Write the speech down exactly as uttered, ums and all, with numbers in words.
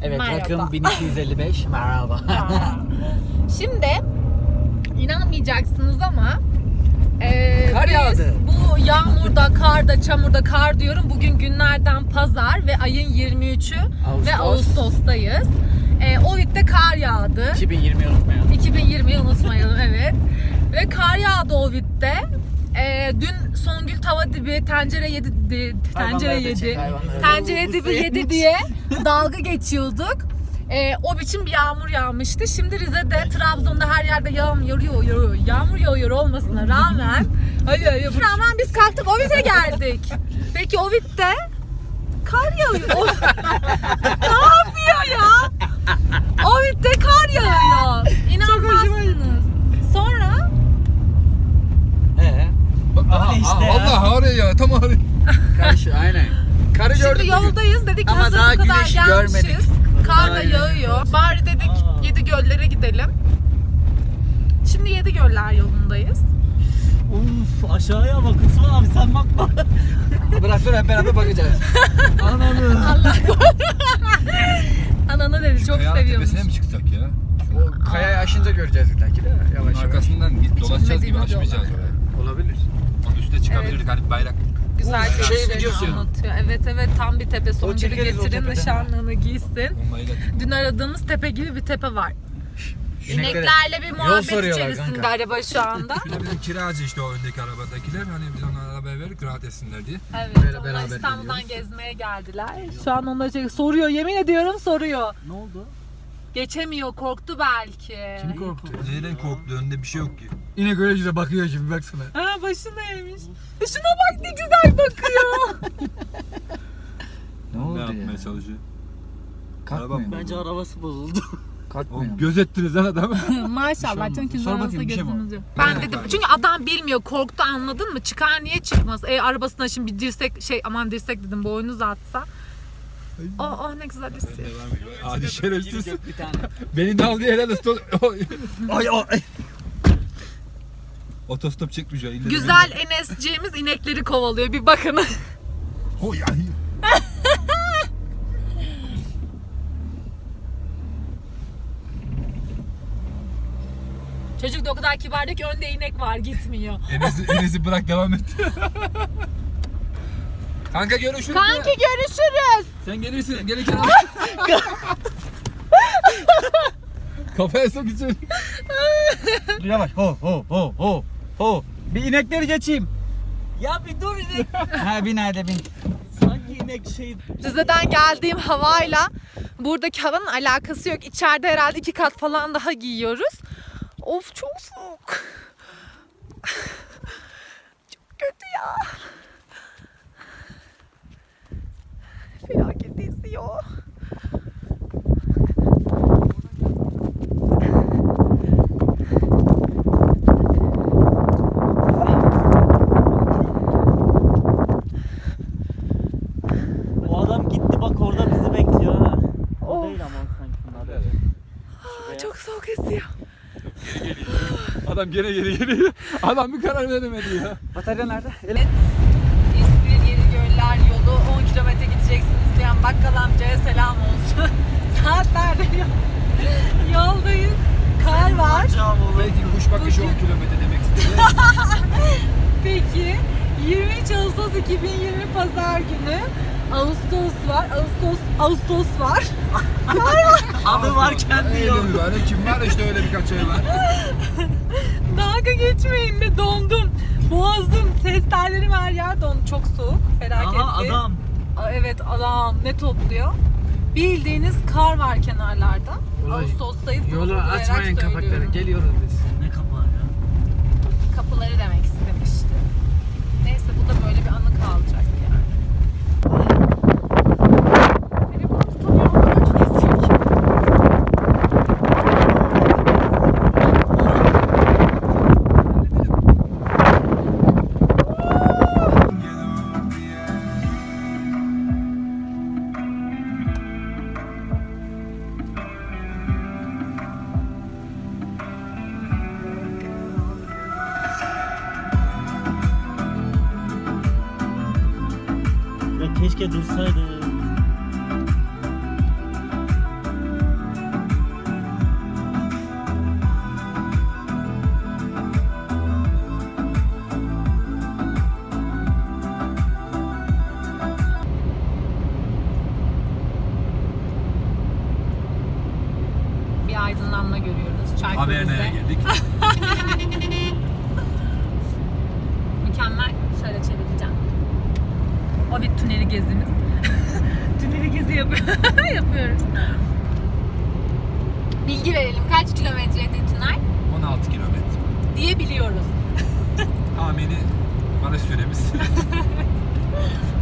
Evet, Merhaba. rakım bin iki yüz elli beş. Merhaba. Şimdi inanmayacaksınız ama e, Kar biz yağdı. bu yağmurda, karda, çamurda, kar diyorum. Bugün günlerden pazar ve ayın yirmi üçü Ağustos. ve Ağustos'tayız. E, Ovid'de kar yağdı. iki bin yirmiyi unutmayalım. iki bin yirmiyi unutmayalım, evet. Ve kar yağdı Ovid'de. Ee, dün Songül tava dibi tencere yedi, di- tencere Hayvanları da yedi, çek, hayvanları da. tencere dibi yedi diye dalga geçiyorduk. Ee, o biçim bir yağmur yağmıştı. Şimdi Rize'de, Trabzon'da her yerde yağmur yağıyor, yağıyor, yağmur yağıyor olmasına rağmen, hayır, hayır, rağmen biz kalktık Ovid'e geldik. Peki Ovid'de kar yağıyor. O- ne yapıyor ya? Ovid'de kar yağıyor. İnanmazsınız. Sonra Ee, Aha, işte aha, ya. vallahi oraya ya, tam oraya. karşı aynen. Karı gördük şimdi bugün. yoldayız, dedik Ama hazır daha bu kadar güneşi gelmişiz. görmedik. Kar da Aynen. yağıyor. Bari dedik Aa. Yedi Göllere gidelim. Şimdi Yedi Göller yolundayız. Uf, aşağıya bak Osman abi, sen bakma. Bırak sonra hep beraber bakacağız. Ananı. Allah Ananı dedi, çok Kayağın seviyormuş. tepesine mi çıksak ya? O kayayı aşınca göreceğiz belki de yavaş Bunun yavaş. arkasından git dolaşacağız gibi bilmediğimiz açmayacağız yollar. oraya. Olabilir. Onun üstüne çıkabilirdik, hani bayrak. Güzel Bu şey görüşlerini videosu. anlatıyor. Evet evet, tam bir tepe. Songül'ü çekeriz o getirin, tepeden. nişanlığını giysin. Bombayı getir. Dün aradığımız tepe gibi bir tepe var. İneklere İneklerle bir yol muhabbet soruyorlar içerisinde kanka. araba şu anda. Bir de bizim kiracı işte o öndeki arabadakiler, hani biz onlara arabaya verdik rahat etsinler diye. Evet, Böyle onlar beraber İstanbul'dan geliyoruz. gezmeye geldiler. Şu an onları şey, soruyor, yemin ediyorum soruyor. Ne oldu? Geçemiyor, korktu belki. Kim korktu? Neyden korktu, önünde bir şey yok ki. İnek öyle yüze bakıyor şimdi baksana. Ha, başına eğmiş. E şuna bak, ne güzel bakıyor. Ne Ne oldu yapmaya ya? çalışıyor? Kalkmıyor. Bence arabası bozuldu. Kalkmıyor. Oğlum gözettiniz lan adamı. Maşallah, Bir şey çünkü olmaz. Sor arabasında bakayım, bir şey mi gözümüz oldu? yok. Ben Evet. dedim, çünkü adam bilmiyor, korktu, anladın mı? Çıkar, niye çıkmaz? E arabasına şimdi bir dirsek, şey aman dirsek dedim, boynuz atsa. Oh oh, ne güzel hissediyor. Hadi şerefsiz. Bir tane. Beni de al diye helal olsun. Ay ay. Otostop çekmiş ya. ille de Güzel Enes'ciğimiz inekleri kovalıyor, bir bakın. beni- Oy ay. Çocuk da o kadar kibardı ki önde inek var, gitmiyor. Enes'i, Enes'i bırak, devam et. Kanka görüşürüz. Kanki görüşürüz. Sen gelirsin. Gelirken al. Kafaya sok içeri. Yavaş. Ho ho ho ho ho. Bir inekleri geçeyim. Ya bir dur inek. Ha bin hadi bin. Sanki inek şey. Rize'den geldiğim havayla buradaki havanın alakası yok. İçeride herhalde iki kat falan daha giyiyoruz. Of, çok soğuk. Çok kötü ya. Felaket esiyor. O adam gitti bak, orada bizi bekliyor ha. O Of. değil ama sanki bunlar. Aa, çok soğuk esiyor. Adam gene geri geliyor. Adam bir karar veremedi ya. Batarya nerede? Evet, İzmir Yedi Göller yolu on kilometre gideceksiniz diyen bakkal amcaya selam olsun. Saatlerde yol- yoldayız. Kar var. Belki kuş bakışı on kilometre demek istedi. Peki yirmi üç Ağustos iki bin yirmi Pazar günü. Ağustos var. Ağustos Ağustos var. Adı varken Öyle diyor. mi var? Kim var işte öyle birkaç ay var. Dalga geçmeyin be, dondum. Boğazım, ses tellerim her yer dondu. Çok soğuk. Felaketli. Aha adam. Aa, evet, adam ne topluyor? Bildiğiniz kar var kenarlarda. Olay. Ağustos'tayız. Yolu gurur duyarak açmayın söylüyorum. kapakları. Geliyoruz biz. Ne kapağı ya. Kapıları demek istemişti. Neyse, bu da böyle bir anı kalacak yani. Telefonu tutamıyorum, çok esiyor ki. Ya keşke dursaydı. bilgi verelim. Kaç kilometreydi Tünay? on altı kilometre. Diye biliyoruz. Tahmini varış süremiz.